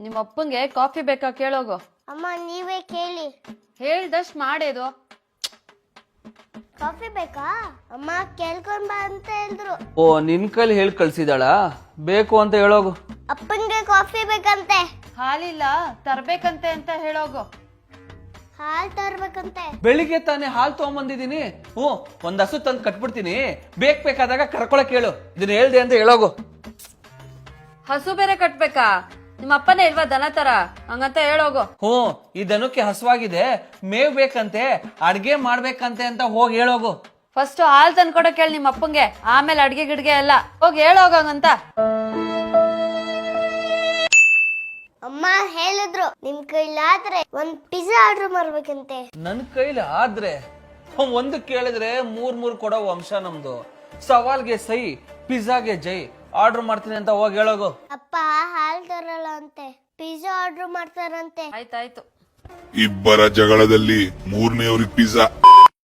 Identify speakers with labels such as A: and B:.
A: ನಿಮ್ಮ ಅಪ್ಪಂಗೆ ಕಾಫಿ ಬೇಕಾ ಕೇಳೋಗು.
B: ಅಮ್ಮ ನೀವೇ ಕೇಳಿ.
A: ಹೇಳ್ದಷ್ಟ್ ಮಾಡೇದು.
B: ಕಾಫಿ ಬೇಕಾ ಅಮ್ಮ? ಕೇಳ್ಕೊಂಡ್ ಬಾ ಅಂತ ಹೇಳಿದ್ರು.
C: ಓ ನಿನ್ ಕೈಲಿ ಹೇಳಿ ಕಳ್ಸಿದಾಳ? ಬೇಕು ಅಂತ ಹೇಳೋಗು.
B: ಅಪ್ಪನ್ಗೆ ಕಾಫಿ ಬೇಕಂತೆ.
A: ಹಾಲಿಲ್ಲ ತರ್ಬೇಕಂತೆ ಅಂತ ಹೇಳೋಗು.
B: ಹಾಲ್ ತರ್ಬೇಕಂತೆ.
C: ಬೆಳಿಗ್ಗೆ ತಾನೇ ಹಾಲು ತಗೊಂಬಂದಿದೀನಿ. ಒಂದ್ ಹಸು ತಂದು ಕಟ್ಬಿಡ್ತೀನಿ, ಬೇಕಾದಾಗ ಕರ್ಕೊಳಕ್ ಹೇಳು. ಇದನ್ನ ಹೇಳ್ದೆ ಅಂತ ಹೇಳೋಗು.
A: ಹಸು ಬೇರೆ ಕಟ್ಬೇಕಾ? ನಿಮ್ಮ ಅಪ್ಪನೇ ಇಲ್ವಾ ದನ ತರ? ಹಂಗಂತ ಹೇಳೋಗು.
C: ಈ ದನಕ್ಕೆ ಹಸುವಾಗಿದೆ, ಮೇವ್ ಬೇಕಂತೆ, ಅಡ್ಗೆ ಮಾಡ್ಬೇಕಂತೆ ಅಂತ ಹೋಗಿ ಹೇಳೋಗು.
A: ಫಸ್ಟ್ ಹಾಲ್ ತಂದ್ಕೊಡಕ್ ಹೇಳಿ ನಿಮ್ಮ ಅಪ್ಪಂಗೆ, ಆಮೇಲೆ ಅಡ್ಗೆ ಗಿಡ್ಗೆ ಎಲ್ಲ ಹೋಗಿ ಹೇಳೋಗಂತ.
B: ಅಮ್ಮ ಹೇಳಿದ್ರು ನಿಮ್ ಕೈಲಾದ್ರೆ ಒಂದ್ ಪಿಜ್ಜಾ ಆರ್ಡರ್ ಮಾಡ್ಬೇಕಂತೆ.
C: ನನ್ ಕೈಲಿ ಆದ್ರೆ ಒಂದು ಕೇಳಿದ್ರೆ ಮೂರ್ ಕೊಡೋ ವಂಶ ನಮ್ದು. ಸವಾಲ್ಗೆ ಸೈ, ಪಿಜ್ಜಾಗೆ ಜೈ. ಆರ್ಡರ್ ಮಾಡ್ತೀನಿ ಅಂತ ಹೋಗಿ ಹೇಳೋಗು.
B: ಅಪ್ಪ ಹಾಲ್ ತರಲ್ಲ ಅಂತೆ, ಪಿಜ್ಜಾ ಆರ್ಡರ್ ಮಾಡ್ತಾರಂತೆ.
A: ಆಯ್ತಾಯ್ತು.
D: ಇಬ್ಬರ ಜಗಳದಲ್ಲಿ ಮೂರನೆಯವ್ರಿಗೆ ಪಿಜ್ಜಾ.